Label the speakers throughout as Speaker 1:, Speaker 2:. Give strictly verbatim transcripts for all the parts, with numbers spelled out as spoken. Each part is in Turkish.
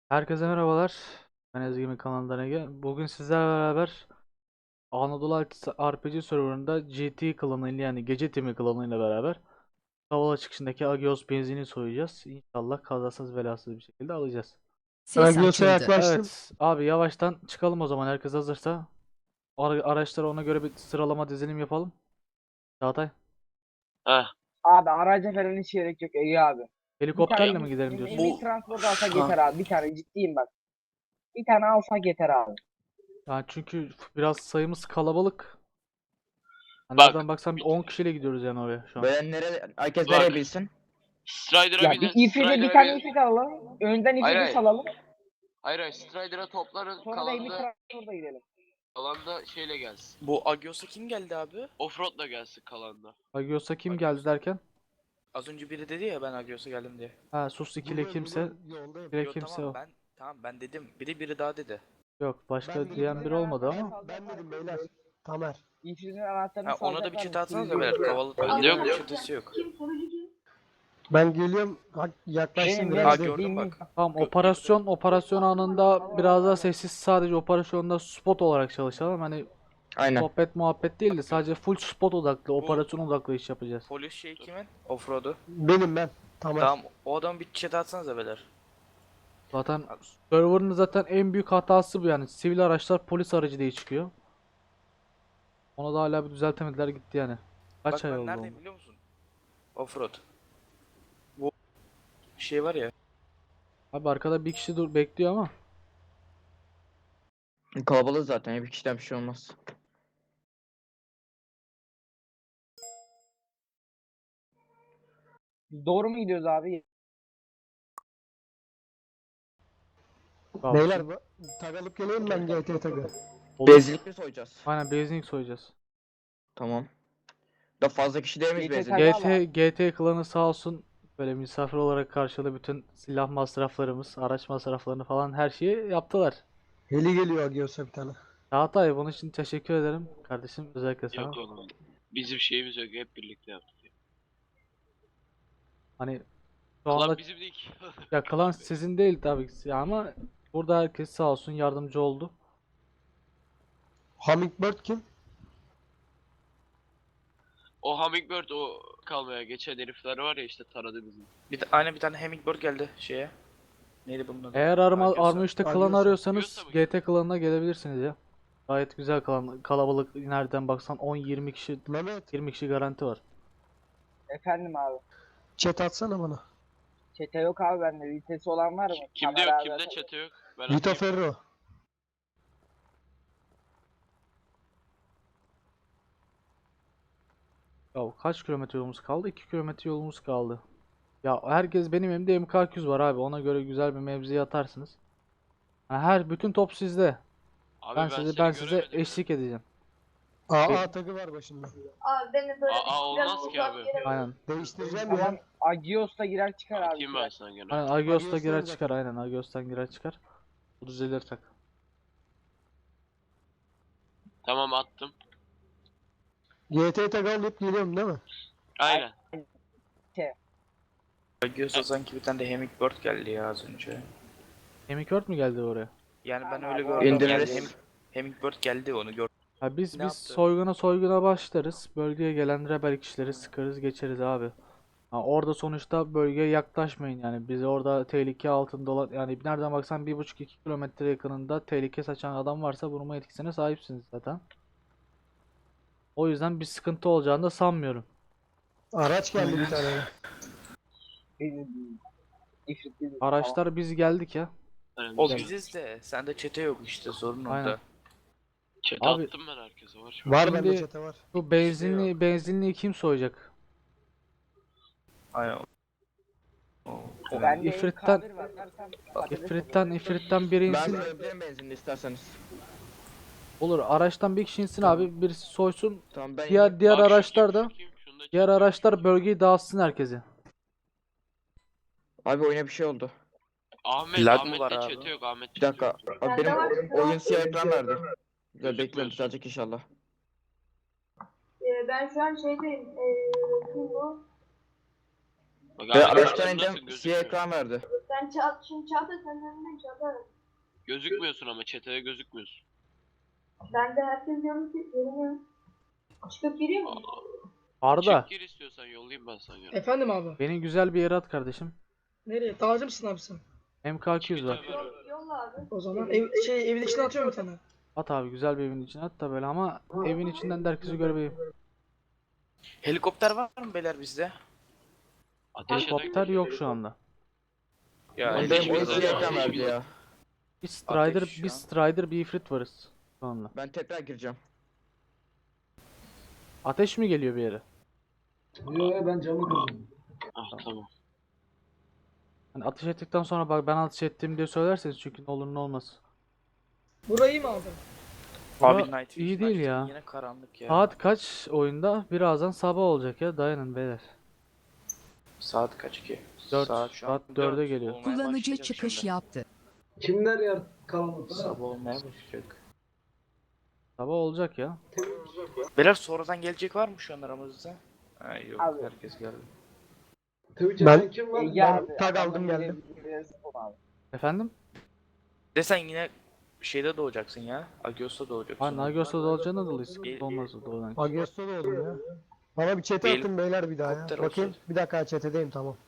Speaker 1: Herkese merhabalar. Ben Ezgi'nin kanalından Ege. Bugün sizlerle beraber Anadolu R P G serverında G T klanıyla yani Gece Timi klanıyla beraber Kavala çıkışındaki Agios benzini soyacağız. İnşallah kazasız belasız bir şekilde alacağız.
Speaker 2: Ses
Speaker 3: Agios'a
Speaker 2: açıldı.
Speaker 3: yaklaştım.
Speaker 1: Evet abi yavaştan çıkalım o zaman herkes hazırsa. Ara araçlara ona göre bir sıralama dizilim yapalım. Çağatay.
Speaker 4: Heh.
Speaker 2: Abi araca falan hiç gerek yok Ege abi. Bir tane
Speaker 1: Helikopterle mi gidelim
Speaker 2: em-
Speaker 1: diyorsun?
Speaker 2: emniyet
Speaker 4: Bu
Speaker 2: transport alsak
Speaker 4: Ha,
Speaker 2: yeter abi. Bir tane ciddiyim bak. Bir tane alsak yeter abi.
Speaker 1: Yani çünkü biraz sayımız kalabalık. Hani
Speaker 4: bak
Speaker 1: nereden baksan on kişiyle gidiyoruz yani oraya şu an.
Speaker 3: Böyle nere herkes
Speaker 4: Bak.
Speaker 3: nereye bilsin?
Speaker 4: Strider'a
Speaker 2: Ya
Speaker 4: binin.
Speaker 2: bir ifrite bir
Speaker 4: Strider'a
Speaker 2: tane
Speaker 4: binin.
Speaker 2: ifrit alalım. Önden
Speaker 4: Hayır
Speaker 2: ifriti
Speaker 4: hayır.
Speaker 2: salalım.
Speaker 4: Hayır hayır. Strider'a topların.
Speaker 2: Sonra da emniyet
Speaker 4: Kalanda,
Speaker 2: transporta gidelim.
Speaker 4: kalanda şeyle gelsin.
Speaker 5: Bu Agios'a kim geldi abi?
Speaker 4: Offroad'la gelsin kalanda.
Speaker 1: Agios'a kim
Speaker 5: Agios.
Speaker 1: geldi derken?
Speaker 5: Az önce biri dedi ya ben Agios'a geldim diye.
Speaker 1: Ha sus ikili kimse.
Speaker 3: Yoldayım.
Speaker 1: Bire
Speaker 5: Yo
Speaker 1: kimse
Speaker 5: tamam
Speaker 1: o.
Speaker 5: ben tamam ben dedim. Biri biri daha dedi.
Speaker 1: Yok başka
Speaker 3: Ben
Speaker 1: diyen
Speaker 3: dedim,
Speaker 1: biri olmadı ama.
Speaker 3: Ben dedim beyler. Tamer.
Speaker 2: İfritin anahtarını
Speaker 5: Ha, ona da bir
Speaker 2: salacaklar
Speaker 5: çete
Speaker 2: mı?
Speaker 5: atsanız da
Speaker 2: Sürücü
Speaker 5: beyler.
Speaker 2: yok.
Speaker 5: Kavalı
Speaker 4: Bende
Speaker 5: bölgenin
Speaker 4: yok.
Speaker 5: bir çetesi yok.
Speaker 3: Ben geliyorum. Hak- Yaklaştım
Speaker 2: Benim
Speaker 3: biraz.
Speaker 5: Ha,
Speaker 2: benim.
Speaker 3: değil.
Speaker 5: gördüm
Speaker 2: bin-
Speaker 5: bak.
Speaker 1: Tamam
Speaker 5: Gö-
Speaker 1: operasyon operasyon anında biraz daha sessiz sadece operasyonda spot olarak çalışalım. Hani
Speaker 3: Aynen.
Speaker 1: sohbet muhabbet değil de sadece full spot odaklı, operasyon odaklı iş yapacağız.
Speaker 5: Polis şey kimin? Offroad'u.
Speaker 3: Benim ben. Tamer.
Speaker 5: Tamam o adam bir çete atsanız da beyler.
Speaker 1: Zaten server'ın zaten en büyük hatası bu yani. Sivil araçlar polis aracı diye çıkıyor. Onu da hala bir düzeltemediler gitti yani. Kaç
Speaker 5: Bak
Speaker 1: ay
Speaker 5: ben
Speaker 1: oldu
Speaker 5: neredeyim
Speaker 1: onun?
Speaker 5: biliyor musun? Offroad. Bu şey var ya.
Speaker 1: Abi arkada bir kişi dur bekliyor ama.
Speaker 3: Kalabalık zaten. ya, Bir kişiden bir şey olmaz.
Speaker 2: Doğru mu gidiyoruz abi?
Speaker 1: Beyler
Speaker 3: Beyler bu- tag alıp geleyim ben G T tagı.
Speaker 1: olur.
Speaker 3: Benzinlik mi soyacağız?
Speaker 1: Aynen benzinlik soyacağız.
Speaker 3: Tamam. Da fazla kişi değil miyiz
Speaker 2: G T
Speaker 3: benzinlik?
Speaker 2: tagı
Speaker 1: G T G T klanı sağ olsun böyle misafir olarak karşıladı bütün silah masraflarımız, araç masraflarını falan her şeyi yaptılar.
Speaker 3: Heli geliyor Agios'a bir tane.
Speaker 1: Çağatay bunun için teşekkür ederim kardeşim özellikle sana.
Speaker 4: Yok oğlum. Bizim şeyimiz yok. Hep birlikte yaptık. Ya.
Speaker 1: Hani şu anda
Speaker 4: Klan bizim değil ki.
Speaker 1: ya klan sizin değil tabii ki ama burada herkes sağ olsun yardımcı oldu.
Speaker 3: Hummingbird kim?
Speaker 4: O Hummingbird o kalmaya geçen herifler var ya işte taradı bizi.
Speaker 5: Bir de aynı bir tane Hummingbird geldi şeye. Neydi bunun adı?
Speaker 1: Eğer Arma,
Speaker 5: Agios'a.
Speaker 1: Arma üçte klan
Speaker 3: Agios'a.
Speaker 1: arıyorsanız
Speaker 4: Agios'a mı
Speaker 1: G T klanına gelebilirsiniz ya. Gayet güzel klan, kalabalık nereden baksan on yirmi kişi
Speaker 3: Mehmet.
Speaker 1: yirmi kişi garanti var.
Speaker 2: Efendim abi.
Speaker 3: Chat atsana bana.
Speaker 2: Çete yok abi bende. Vitesi olan var mı?
Speaker 4: Kimde
Speaker 2: Tamer
Speaker 4: yok?
Speaker 2: abi
Speaker 4: Kimde
Speaker 2: zaten.
Speaker 4: çete yok? Ben
Speaker 3: Vito
Speaker 4: atayım.
Speaker 3: Ferro.
Speaker 1: Ya kaç kilometre yolumuz kaldı? iki kilometre yolumuz kaldı. Ya herkes benim elimde M K iki yüz var abi. Ona göre güzel bir mevziye atarsınız. Ha, her bütün top sizde.
Speaker 4: Abi
Speaker 1: Ben
Speaker 4: ben,
Speaker 1: size
Speaker 4: seni
Speaker 1: ben size
Speaker 4: göremedim ya.
Speaker 1: eşlik edeceğim.
Speaker 3: A A tagı var başında.
Speaker 6: Abi beni böyle
Speaker 4: Aa,
Speaker 6: biraz
Speaker 4: olmaz ki
Speaker 6: uzak
Speaker 4: abi.
Speaker 6: yere
Speaker 1: Aynen.
Speaker 3: Değiştireceğim
Speaker 2: Tamam.
Speaker 3: ya.
Speaker 2: Agios'ta girer çıkar abi.
Speaker 4: Atayım ben sana gene.
Speaker 1: Aynen Agios'ta
Speaker 3: Agios'tan
Speaker 1: girer
Speaker 3: zaten.
Speaker 1: çıkar. Aynen Agios'tan girer çıkar. Bu düzelir tak.
Speaker 4: Tamam attım.
Speaker 3: G T tagı alıp geliyorum değil mi?
Speaker 4: Aynen.
Speaker 5: Agios'a sanki bir tane de Hummingbird geldi ya az önce.
Speaker 1: Hemikört mü geldi oraya?
Speaker 5: Yani ben
Speaker 2: Tamam
Speaker 5: öyle
Speaker 2: abi,
Speaker 5: gördüm.
Speaker 3: İndiririz.
Speaker 5: Yani Hem- Hummingbird geldi onu gördüm.
Speaker 1: Ha biz
Speaker 5: Ne
Speaker 1: biz
Speaker 5: yaptı?
Speaker 1: soyguna soyguna başlarız. Bölgeye gelen rebel kişileri sıkarız geçeriz abi. Ha, orada sonuçta bölgeye yaklaşmayın yani. Bizi orada tehlike altında olan yani nereden baksan bir buçuk iki kilometre yakınında tehlike saçan adam varsa vurma etkisine sahipsiniz zaten. O yüzden bir sıkıntı olacağını da sanmıyorum.
Speaker 3: Araç geldi bir tane.
Speaker 2: Bizim- İfrit bizim.
Speaker 1: Araçlar biz geldik ya.
Speaker 4: Aynen,
Speaker 5: O
Speaker 4: güzel.
Speaker 5: biziz de sende çete yok işte sorun
Speaker 1: Aynen.
Speaker 5: orada.
Speaker 4: Chat'e
Speaker 1: Abi-
Speaker 4: attım ben herkese var. şu an.
Speaker 3: Var
Speaker 1: Şimdi-
Speaker 3: bende çete var.
Speaker 1: Bu benzinli benzinliği kim soyacak?
Speaker 5: Aynen. O- o-
Speaker 2: Bende
Speaker 1: İfrit'ten-
Speaker 2: M K bir var. Versen patates
Speaker 1: İfrit'ten ifritten biri
Speaker 3: Ben
Speaker 1: insin.
Speaker 3: söyleyebilirim benzinli isterseniz.
Speaker 1: Olur araçtan bir kişi insin abi birisi soysun.
Speaker 3: Tamam ben
Speaker 1: Diğer diğer
Speaker 4: Bak, şu
Speaker 1: araçlar
Speaker 4: kim,
Speaker 1: da
Speaker 4: şu kim? Şunu da
Speaker 1: diğer
Speaker 4: çekeyim.
Speaker 1: araçlar bölgeyi dağıtsın herkese.
Speaker 3: Abi oyuna bir şey oldu.
Speaker 4: Ahmet,
Speaker 5: Lag mı
Speaker 4: Ahmet'te
Speaker 5: var abi?
Speaker 4: çete yok. Ahmet
Speaker 3: Bir dakika.
Speaker 4: çete yok.
Speaker 3: Abi benim oyun siyah ekran verdi. Güzel bekliyorum
Speaker 4: Gözükmüyor.
Speaker 3: düzelecek inşallah.
Speaker 6: Ee, ben şu an şeydeyim. Ee, kim bu?
Speaker 4: Bak
Speaker 5: Ve
Speaker 4: abi
Speaker 5: araçtan
Speaker 4: gözün nasıl
Speaker 5: indim siyah
Speaker 4: gözükmüyor?
Speaker 5: ekran verdi.
Speaker 6: Ben Çağ şimdi Çağatay senin önünden Çağatay.
Speaker 4: Gözükmüyorsun ama çeteye gözükmüyorsun.
Speaker 6: Ben de herkes yanımda görünüyor. Çıkıp giriyor mu?
Speaker 1: Arda,
Speaker 4: Çık gir istiyorsan yollayayım ben sana.
Speaker 7: Efendim abi.
Speaker 1: beni güzel bir yere at kardeşim.
Speaker 7: Nereye? Dağcı mısın abi sen?
Speaker 1: M K iki yüz var.
Speaker 4: Çık
Speaker 6: Yol, yolla abi.
Speaker 7: O zaman ev, şey evin içine atıyorum bir tane.
Speaker 1: At abi, güzel bir evin içine at da böyle, ama evin içinden de herkesi görmeyeyim.
Speaker 5: Helikopter var mı beyler bizde?
Speaker 4: Ateş eden
Speaker 1: Helikopter yok şu anda.
Speaker 5: Ya
Speaker 4: Ateş
Speaker 5: benim oyun
Speaker 4: biraz
Speaker 5: siyah
Speaker 4: ateş
Speaker 5: ekran verdi
Speaker 4: biraz.
Speaker 5: ya.
Speaker 1: Bir Strider,
Speaker 5: Ateş
Speaker 1: bir
Speaker 5: ya.
Speaker 1: Strider, bir Ifrit varız şu anda.
Speaker 5: Ben tekrar gireceğim.
Speaker 1: Ateş mi geliyor bir yere?
Speaker 4: Ah tamam.
Speaker 1: Hani ateş ettikten sonra bak ben ateş ettim diye söylerseniz, çünkü ne olur ne olmaz.
Speaker 7: Burayı mı abi?
Speaker 1: Bura
Speaker 5: Abi Night
Speaker 1: iyi
Speaker 5: Vision
Speaker 1: değil
Speaker 5: açtım,
Speaker 1: ya.
Speaker 5: Yine karanlık ya.
Speaker 1: Saat kaç oyunda? Birazdan sabah olacak ya. Dayanın beyler.
Speaker 5: Saat kaç ki?
Speaker 1: Dört,
Speaker 5: Saat şu an
Speaker 1: saat dörde
Speaker 5: dört
Speaker 1: geliyor.
Speaker 5: olmaya
Speaker 8: Kullanıcı
Speaker 5: başlayacak
Speaker 8: çıkış
Speaker 5: şimdi.
Speaker 8: yaptı.
Speaker 3: Kimler yer karanlıkta?
Speaker 5: Sabah olmaya başlayacak.
Speaker 1: Sabah olacak ya.
Speaker 5: Beyler sonradan gelecek var mı şu an aramızda? Ha, yok
Speaker 2: Abi.
Speaker 5: herkes geldi.
Speaker 3: Twitch'e Ben- kim var?
Speaker 2: Ege
Speaker 3: Ben
Speaker 2: abi.
Speaker 3: tag
Speaker 2: adamın
Speaker 3: aldım
Speaker 2: biri-
Speaker 3: geldim.
Speaker 2: biri zıplam abi.
Speaker 1: Efendim?
Speaker 5: De sen yine şeyde doğacaksın ya. Agios'ta doğacaksın.
Speaker 1: Ha, Nagios'ta da olacağına dolayı
Speaker 5: İyi,
Speaker 1: sıkıntı
Speaker 5: iyi.
Speaker 1: olmaz doğrudan.
Speaker 3: Agiosta da oldum ya. Bana bir çete
Speaker 5: Benim-
Speaker 3: atın beyler bir daha ya.
Speaker 5: Helikopter
Speaker 3: Bakayım.
Speaker 5: olsun.
Speaker 3: Bir dakika çetedeyim tamam.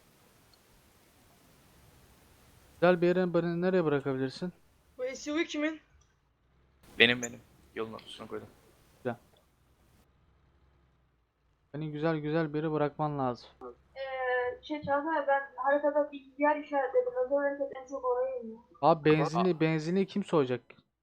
Speaker 1: Güzel bir yere beni nereye bırakabilirsin?
Speaker 7: Bu S U V kimin?
Speaker 5: Benim benim. Yolun ortasına koydum.
Speaker 1: Beni güzel güzel bir yere bırakman lazım.
Speaker 6: Ee, şey Çağatay ben haritada bir yer işaretledim. Özel hareket en çok oraya iniyor.
Speaker 1: Abi benzinli benzinli kim soyacak?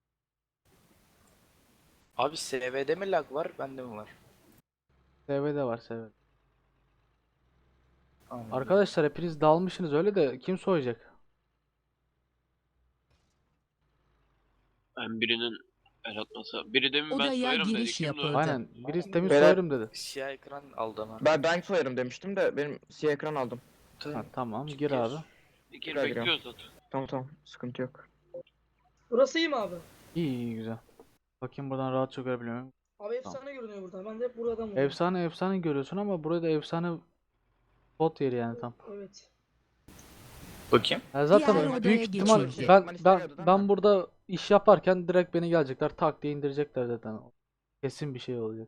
Speaker 5: Abi S V'de mi lag var? Bende mi var?
Speaker 1: S V'de var, S V'de.
Speaker 5: Anladım.
Speaker 1: Arkadaşlar hepiniz dalmışsınız öyle de kim soyacak?
Speaker 4: Ben birinin el atmasa. Biri demin ben
Speaker 8: Odaya
Speaker 4: soyarım dedi.
Speaker 8: giriş
Speaker 4: Kimdi o?
Speaker 8: yapıldı.
Speaker 1: Aynen. Birisi demin
Speaker 5: Beyler-
Speaker 1: soyarım dedi.
Speaker 5: Siyah ekran aldı ama.
Speaker 9: Ben ben soyarım demiştim de benim siyah ekran aldım.
Speaker 1: Ha, tamam gir
Speaker 5: Gir.
Speaker 1: abi.
Speaker 4: Gir
Speaker 9: Tekrar
Speaker 4: bekliyoruz zaten.
Speaker 9: Tamam tamam sıkıntı yok.
Speaker 7: Burası iyi mi abi?
Speaker 1: İyi iyi güzel. Bakayım buradan rahatça görebiliyor muyum?
Speaker 7: Abi efsane görünüyor buradan. Ben de hep buradan vuruyorum.
Speaker 1: Efsane efsane görüyorsun ama burada efsane spot yeri yani tam.
Speaker 7: Evet.
Speaker 5: Bakayım.
Speaker 1: Ya zaten
Speaker 8: Diğer
Speaker 1: büyük
Speaker 8: odaya
Speaker 1: ihtimal
Speaker 8: geçildi.
Speaker 1: ben
Speaker 9: Ekman
Speaker 1: ben
Speaker 9: istemiyordu değil
Speaker 1: ben
Speaker 9: mi?
Speaker 1: burada iş yaparken direkt beni gelecekler, tak diye indirecekler zaten. Kesin bir şey olacak.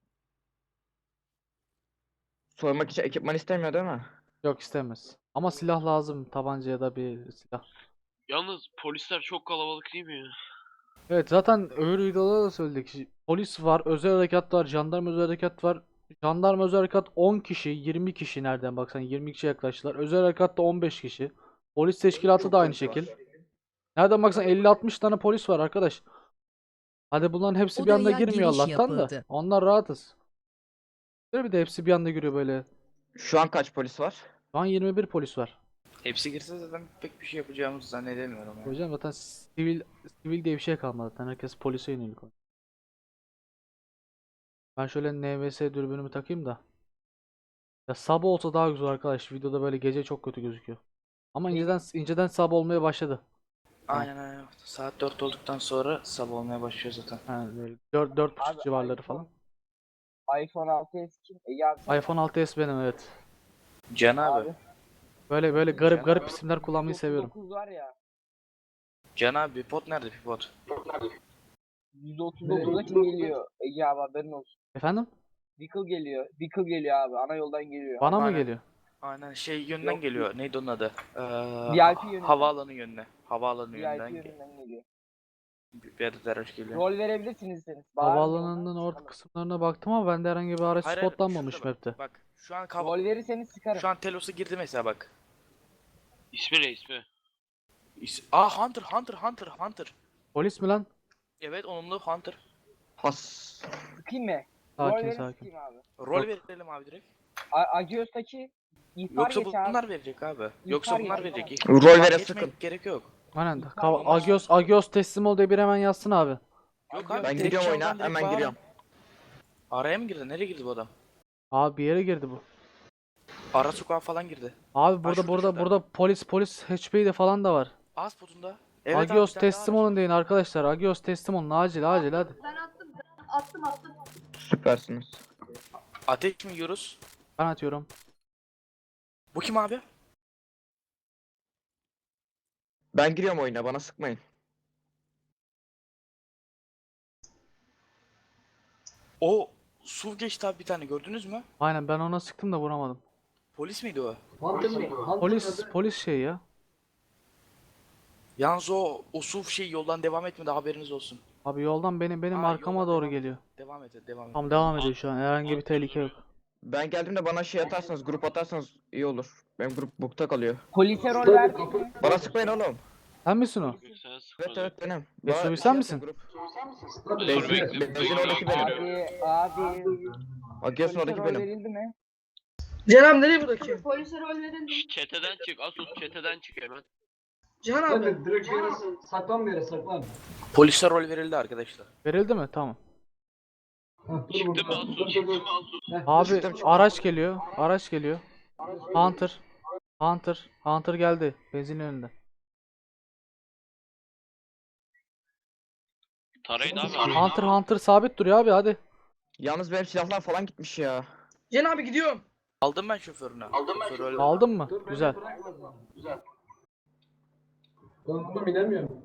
Speaker 9: Soymak için ekipman istemiyor değil mi?
Speaker 1: Yok, istemez. Ama silah lazım, tabanca ya da bir silah.
Speaker 4: Yalnız polisler çok kalabalık değil mi ya?
Speaker 1: Evet, zaten öbür videoda da söyledik. Polis var, özel harekat var, jandarma özel harekat var. Jandarma özel harekat on kişi, yirmi kişi nereden baksan yirmi kişi yaklaştılar. Özel harekat da on beş kişi. Polis teşkilatı da aynı şekil. Nereden baksan elli altmış tane polis var arkadaş. Hadi bunların hepsi bir anda
Speaker 8: Odaya
Speaker 1: girmiyor
Speaker 8: giriş
Speaker 1: Allah'tan da.
Speaker 8: yapıldı.
Speaker 1: Onlar rahatız. Bir de hepsi bir anda giriyor böyle.
Speaker 9: Şu an kaç polis var?
Speaker 1: Şu an yirmi bir polis var.
Speaker 5: Hepsi girse zaten pek bir şey yapacağımızı zannedemiyorum. ya.
Speaker 1: Hocam zaten sivil sivil diye bir şey kalmadı zaten. Herkes polise yönelik oynuyor. Ben şöyle N V S dürbünümü takayım da. Ya sabah olsa daha güzel arkadaş. Videoda böyle gece çok kötü gözüküyor. Ama inceden inceden sabah olmaya başladı.
Speaker 5: Aynen aynen. Saat dört olduktan sonra sabah olmaya başlıyor zaten.
Speaker 1: Yani böyle dört dört buçuk
Speaker 2: Abi,
Speaker 1: civarları
Speaker 2: iPhone-
Speaker 1: falan.
Speaker 2: iPhone altı S kim? Ege abi. sen-
Speaker 1: iPhone altı S benim, evet.
Speaker 5: Can abi.
Speaker 2: Abi.
Speaker 1: Böyle böyle garip
Speaker 5: Can
Speaker 1: garip
Speaker 5: abi.
Speaker 1: isimler kullanmayı seviyorum.
Speaker 2: yüz otuz dokuz var ya.
Speaker 5: Can abi pipot nerede pipot?
Speaker 2: yüz otuz dokuza kim geliyor? Ege abi haberin olsun.
Speaker 1: Efendim?
Speaker 2: Vehicle geliyor. Vehicle geliyor abi. Ana yoldan geliyor.
Speaker 1: Bana mı
Speaker 5: Aynen.
Speaker 1: geliyor?
Speaker 5: Aynen şey yönden
Speaker 2: Yok.
Speaker 5: geliyor. Neydi onun adı? Ee,
Speaker 2: V I P yönünden.
Speaker 5: havaalanı yönüne. Havaalanı
Speaker 2: V I
Speaker 5: yönünden
Speaker 2: P
Speaker 5: ge-
Speaker 2: yönünden geliyor.
Speaker 5: bir bir adet araç geliyor.
Speaker 2: Rol verebilirsiniz isterseniz. Bağırmayın
Speaker 1: Havaalanının
Speaker 2: ondan,
Speaker 1: orta
Speaker 2: sıkalım.
Speaker 1: kısımlarına baktım ama bende herhangi bir araç
Speaker 5: Hayır, hayır,
Speaker 1: spotlanmamış
Speaker 5: şurada bak.
Speaker 1: map'te.
Speaker 5: Bak şu an kav-
Speaker 2: Rol verirseniz sıkarım.
Speaker 5: şu an Telos'a girdi mesela bak.
Speaker 4: İsmi ne ismi?
Speaker 5: İs- Aa Hunter Hunter Hunter Hunter.
Speaker 1: Polis mi lan?
Speaker 5: Evet onunla Hunter.
Speaker 9: Has.
Speaker 2: Sıkayım mı? Rol
Speaker 1: Sakin
Speaker 2: verin
Speaker 1: sakin.
Speaker 2: sıkayım abi.
Speaker 5: Rol
Speaker 1: Yok.
Speaker 5: verelim abi direkt.
Speaker 2: A- Agios'taki ihbar
Speaker 5: Yoksa
Speaker 2: geç abi.
Speaker 5: bunlar verecek abi. Yoksa
Speaker 2: İhbar
Speaker 5: bunlar
Speaker 2: geç,
Speaker 5: verecek.
Speaker 9: Rol
Speaker 5: İhbar
Speaker 9: vere
Speaker 5: geçmeye
Speaker 9: sıkın.
Speaker 5: gerek yok.
Speaker 1: Aynen.
Speaker 2: İhbar
Speaker 1: Kav-
Speaker 2: olmaz.
Speaker 1: Agios Agios teslim ol diye bir hemen yazsın abi.
Speaker 5: Yok
Speaker 2: Ben
Speaker 5: abi.
Speaker 9: Ben
Speaker 5: direkt
Speaker 9: giriyorum
Speaker 5: çaldan
Speaker 9: oyuna
Speaker 5: direkt
Speaker 9: hemen
Speaker 5: bağırın.
Speaker 9: giriyorum.
Speaker 5: Araya mı girdi? Nereye girdi bu adam?
Speaker 1: Abi bir yere girdi bu.
Speaker 5: Ara sokağa falan girdi.
Speaker 1: Abi burada
Speaker 5: şurada,
Speaker 1: burada
Speaker 5: şurada.
Speaker 1: burada polis polis H P'de falan da var.
Speaker 5: Ağız potunda. Evet abi,
Speaker 1: Agios
Speaker 5: bir tane daha
Speaker 1: teslim
Speaker 5: araç.
Speaker 1: olun deyin arkadaşlar. Agios teslim olun acil acil hadi.
Speaker 6: Ben attım. Ben attım attım.
Speaker 9: Süpersiniz.
Speaker 5: Ateş mi yiyoruz?
Speaker 1: Ben atıyorum.
Speaker 5: Bu kim abi?
Speaker 9: Ben giriyorum oyuna, bana sıkmayın.
Speaker 5: O S U V geçti abi bir tane, gördünüz mü?
Speaker 1: Aynen, ben ona sıktım da vuramadım.
Speaker 5: Polis miydi o?
Speaker 1: Polis polis şey ya.
Speaker 5: Yalnız o, o S U V şey yoldan devam etmedi, haberiniz olsun.
Speaker 1: Abi yoldan benim benim
Speaker 5: Aa,
Speaker 1: arkama
Speaker 5: yoldan
Speaker 1: doğru
Speaker 5: devam et.
Speaker 1: geliyor.
Speaker 5: Devam et, devam et.
Speaker 1: Tam devam ediyor şu an. Herhangi bir tehlike yok.
Speaker 9: Ben geldiğimde bana şey atarsanız, grup atarsanız iyi olur. Benim grup bukta kalıyor.
Speaker 2: Polise rol verdik mi?
Speaker 9: Bana sıkmayın oğlum.
Speaker 1: Sen misin o?
Speaker 4: Sen
Speaker 9: Evet
Speaker 4: sıkmadın.
Speaker 9: evet benim.
Speaker 1: Mesut,
Speaker 9: Bana
Speaker 1: sen
Speaker 9: şey
Speaker 1: misin?
Speaker 9: atın, grup.
Speaker 4: Dur
Speaker 9: Benzin-
Speaker 4: bekle.
Speaker 9: benzin
Speaker 4: bekle,
Speaker 9: oradaki benim.
Speaker 4: geliyorum.
Speaker 2: Abi, abi.
Speaker 9: Agios'un
Speaker 2: Polise
Speaker 9: oradaki
Speaker 2: rol
Speaker 9: benim.
Speaker 2: verildi mi?
Speaker 7: Cihan nereye buradaki?
Speaker 6: Polise rol verildi.
Speaker 4: Şş, Çeteden çık. Asus çeteden çık hemen.
Speaker 7: Cihan abi.
Speaker 3: Direkt bir yere saklan bir yere saklan.
Speaker 5: Polise rol verildi arkadaşlar.
Speaker 1: Verildi mi? Tamam.
Speaker 4: Çıktın mı Asus? Çıktın mı Asus?
Speaker 1: Abi
Speaker 9: Çıktım, çıktım.
Speaker 1: araç geliyor. Araç geliyor. Hunter. Hunter. Hunter geldi. Benzin önünde.
Speaker 4: Tarayın abi.
Speaker 1: Hunter Hunter sabit duruyor abi, hadi.
Speaker 9: Yalnız benim silahlar falan gitmiş ya.
Speaker 7: Cihan abi gidiyorum.
Speaker 5: Aldım ben şoförünü. Aldım ben şoförünü.
Speaker 1: Aldın mı? Güzel.
Speaker 3: Ben bunu bilemiyorum.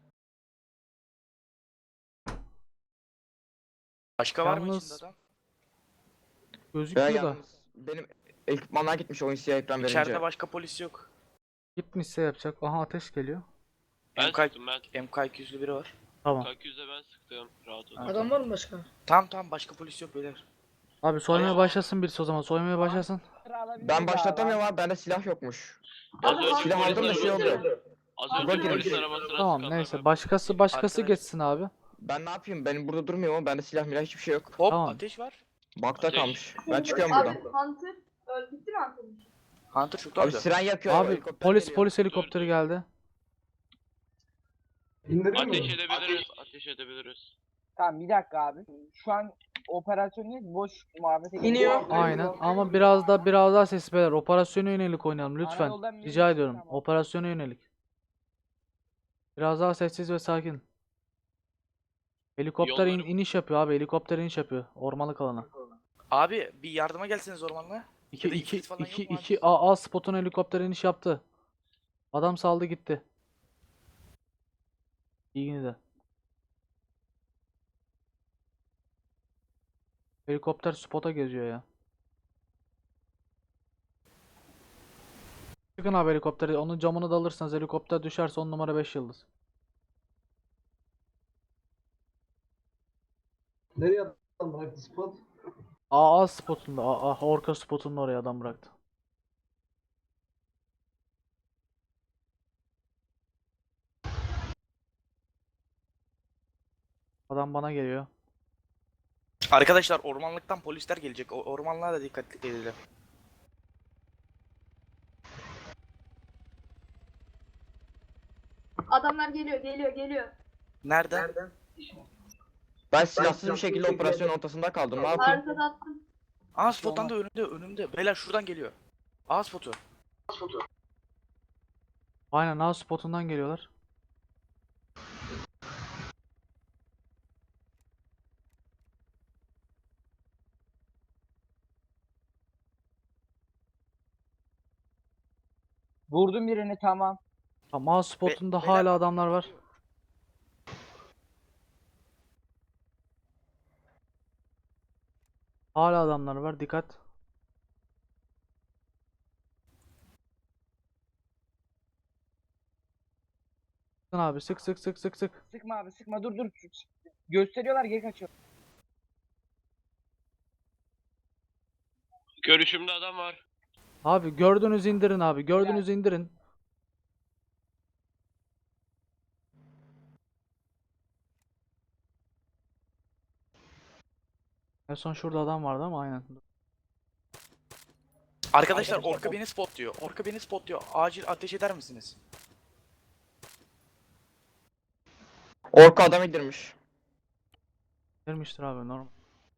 Speaker 5: Başka var mı
Speaker 1: Yalnız-
Speaker 5: içinde adam?
Speaker 9: Ya
Speaker 1: Gözüküyor da.
Speaker 9: yalnız benim ekipmanlar gitmiş oyun siyah ekran verince.
Speaker 5: İçeride başka polis yok.
Speaker 1: Gitmişse yapacak. Aha, ateş geliyor.
Speaker 4: Ben
Speaker 5: M K
Speaker 4: sıktım ben.
Speaker 5: M K iki yüzlü biri var.
Speaker 1: Tamam.
Speaker 4: K yüzde ben sıktım. Rahat ol.
Speaker 7: Adam var mı başka?
Speaker 5: Tamam tamam, başka polis yok beyler.
Speaker 1: Abi soymaya başlasın birisi o zaman. Soymaya başlasın.
Speaker 9: Ben başlatamıyorum abi, bende silah yokmuş.
Speaker 4: Az önce
Speaker 9: Silah
Speaker 4: polis
Speaker 9: aldım da şey
Speaker 4: arabası-
Speaker 9: oldu.
Speaker 4: Az
Speaker 9: Ulan
Speaker 4: önce polis
Speaker 9: girmiş.
Speaker 4: arabasına
Speaker 1: Tamam,
Speaker 4: sıkanlar
Speaker 1: neyse.
Speaker 4: ben.
Speaker 1: Başkası başkası
Speaker 5: Arkadaş-
Speaker 1: geçsin abi.
Speaker 9: Ben ne yapayım? Benim burada durmuyor ama bende silah milah hiçbir şey yok.
Speaker 5: Hop,
Speaker 1: Tamam.
Speaker 5: ateş var.
Speaker 9: Bakta
Speaker 4: Ateş.
Speaker 9: kalmış. Ben çıkıyorum
Speaker 6: Abi
Speaker 9: buradan.
Speaker 6: Hunter. Öl bitti mi Hunter'ın?
Speaker 5: Hunter çok
Speaker 9: Abi
Speaker 5: orada.
Speaker 9: siren yakıyor.
Speaker 1: Abi
Speaker 9: helikopter
Speaker 1: polis
Speaker 9: geliyor.
Speaker 1: polis helikopteri geldi.
Speaker 3: İndirir mi?
Speaker 4: Ateş edebiliriz. Ateş edebiliriz.
Speaker 2: Tamam bir dakika abi. Şu an operasyonu boş muhabbete
Speaker 7: İniyor.
Speaker 1: Aynen, ama biraz da biraz daha sesli beyler. Operasyona yönelik oynayalım lütfen.
Speaker 2: yoldan
Speaker 1: Rica
Speaker 2: bilmiyorum,
Speaker 1: ediyorum.
Speaker 2: tamam.
Speaker 1: Operasyona yönelik. Biraz daha sessiz ve sakin. Helikopter in-
Speaker 4: Yollarım-
Speaker 1: iniş yapıyor abi. Helikopter iniş yapıyor ormanlık alana.
Speaker 5: Abi bir yardıma gelseniz ormanla.
Speaker 1: İki
Speaker 5: Ya da
Speaker 1: iki
Speaker 5: ifrit falan yok
Speaker 1: iki
Speaker 5: mu abi?
Speaker 1: iki A A spotun helikopter iniş yaptı. Adam saldı gitti. İyi de. Helikopter spota geziyor ya. Çıkın abi helikopteri. Onun camını da alırsanız helikopter düşerse on numara beş yıldız.
Speaker 3: Nereye adam bıraktı spot?
Speaker 1: A A spotunda. A A orka spotunda oraya adam bıraktı. Adam bana geliyor.
Speaker 5: Arkadaşlar ormanlıktan polisler gelecek. O ormanlığa da dikkat edelim.
Speaker 6: Adamlar geliyor, geliyor, geliyor.
Speaker 5: Nereden?
Speaker 9: Ben silahsız bir şekilde operasyon ortasında kaldım. Ne yapayım?
Speaker 6: Arkada attım.
Speaker 5: Aa, spottan da önümde önümde. Beyler şuradan geliyor. Aa, spotu.
Speaker 1: Aynen, A spotundan geliyorlar.
Speaker 2: Vurdum birini tamam.
Speaker 1: Ama A spotunda
Speaker 5: beyler-
Speaker 1: hala adamlar var. Hala adamlar var. Dikkat. Sıkın abi, sık sık sık sık sık.
Speaker 2: Sıkma abi sıkma dur dur. Gösteriyorlar geri kaçıyor.
Speaker 4: Görüşümde adam var.
Speaker 1: Abi gördünüz indirin abi. Gördünüz indirin. En son şurada adam vardı ama aynen.
Speaker 5: Arkadaşlar orka beni spot diyor. Orka beni spot diyor. Acil ateş eder misiniz?
Speaker 9: Orka adam indirmiş.
Speaker 1: Girmiştir abi, normal.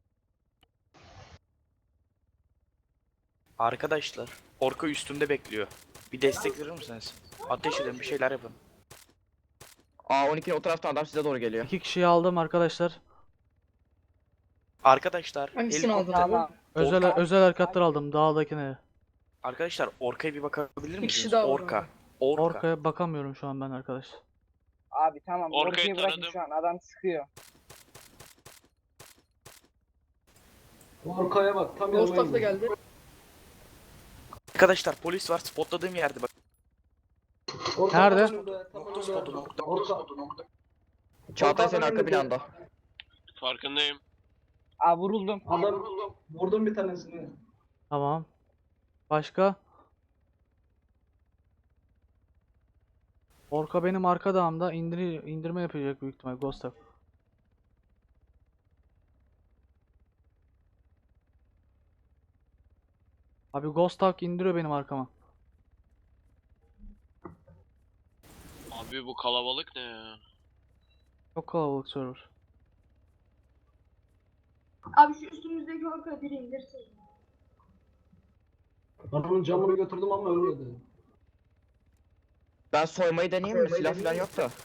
Speaker 5: Arkadaşlar orka üstümde bekliyor. Bir destek verir misiniz? Ateş edin, bir şeyler yapın.
Speaker 9: A on ikinin o taraftan adam size doğru geliyor.
Speaker 1: İki kişiyi aldım arkadaşlar.
Speaker 5: Arkadaşlar
Speaker 7: Hangisini
Speaker 5: helikopter-
Speaker 7: aldın abi?
Speaker 2: Tamam.
Speaker 1: Özel
Speaker 5: Orka-
Speaker 1: özel harekatlar aldım dağdakine.
Speaker 5: Arkadaşlar Orka'ya bir bakabilir
Speaker 7: Bir
Speaker 5: misiniz?
Speaker 7: kişi daha var
Speaker 5: Orka.
Speaker 7: orada.
Speaker 5: Orka.
Speaker 1: Orkaya bakamıyorum şu an ben arkadaş.
Speaker 2: Abi tamam
Speaker 4: Orkayı
Speaker 2: ortayı bırakın
Speaker 4: taradım.
Speaker 2: şu an adam sıkıyor.
Speaker 3: Orkaya bak tam
Speaker 7: Ghost da geldi.
Speaker 5: Arkadaşlar polis var spotladığım yerde bak.
Speaker 1: Nerede?
Speaker 5: Nokta spotu nokta.
Speaker 9: Çağatay senin arka planda.
Speaker 4: Farkındayım.
Speaker 2: Aa vuruldum.
Speaker 3: Adam vurdum bir tanesini.
Speaker 1: Tamam. Başka? Orka benim arka dağımda indir indirme yapacak büyük ihtimal Ghost'a. Abi Ghost Hawk indiriyor benim arkama.
Speaker 4: Abi bu kalabalık ne ya?
Speaker 1: Çok kalabalık server.
Speaker 6: Abi şu üstümüzdeki orka biri indirsin.
Speaker 3: Adamın camını götürdüm ama ölmedi.
Speaker 9: Ben soymayı deneyeyim mi? Silah falan yok da.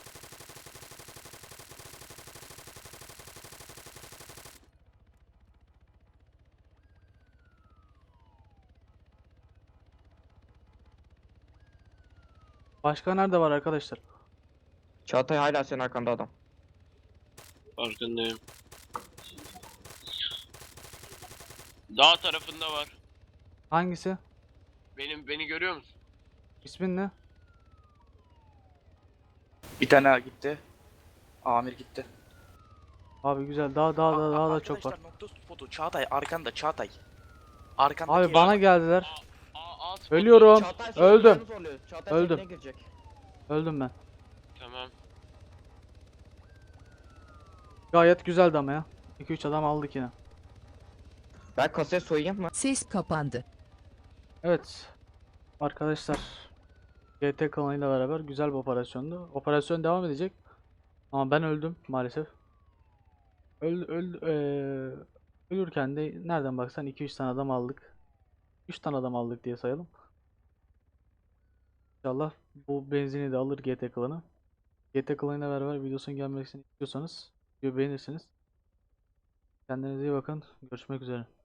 Speaker 1: Başka nerede var arkadaşlar?
Speaker 9: Çağatay hala senin arkanda adam.
Speaker 4: Farkındayım. Dağ tarafında var.
Speaker 1: Hangisi?
Speaker 4: Benim beni görüyor musun?
Speaker 1: İsmin ne?
Speaker 5: Bir tane daha gitti. Amir gitti.
Speaker 1: Abi güzel. Daha daha daha
Speaker 5: Aa,
Speaker 1: daha da
Speaker 5: arkadaşlar,
Speaker 1: çok var.
Speaker 5: nokta spotu. Çağatay arkanda Çağatay. Arkandaki
Speaker 1: Abi bana geldiler.
Speaker 4: Aa, aa, spot-
Speaker 1: Ölüyorum.
Speaker 9: Çağatay senin
Speaker 1: Öldüm.
Speaker 9: planı zorluyor. Çağatay
Speaker 1: Öldüm.
Speaker 9: seninle girecek.
Speaker 1: Öldüm ben.
Speaker 4: Tamam.
Speaker 1: Gayet güzeldi ama ya. iki üç adam aldık yine.
Speaker 9: Ben kasaya soyayım mı?
Speaker 8: Ses kapandı.
Speaker 1: Evet. Arkadaşlar. G T kanalıyla beraber güzel bir operasyondu. Operasyon devam edecek. Ama ben öldüm maalesef. Öl, öl, eee, ölürken de nereden baksan iki üç tane adam aldık. üç tane adam aldık diye sayalım. İnşallah bu benzini de alır G T klanı. G T klanıyla beraber videosunun gelmesini istiyorsanız videoyu beğenirsiniz. Kendinize iyi bakın. Görüşmek üzere.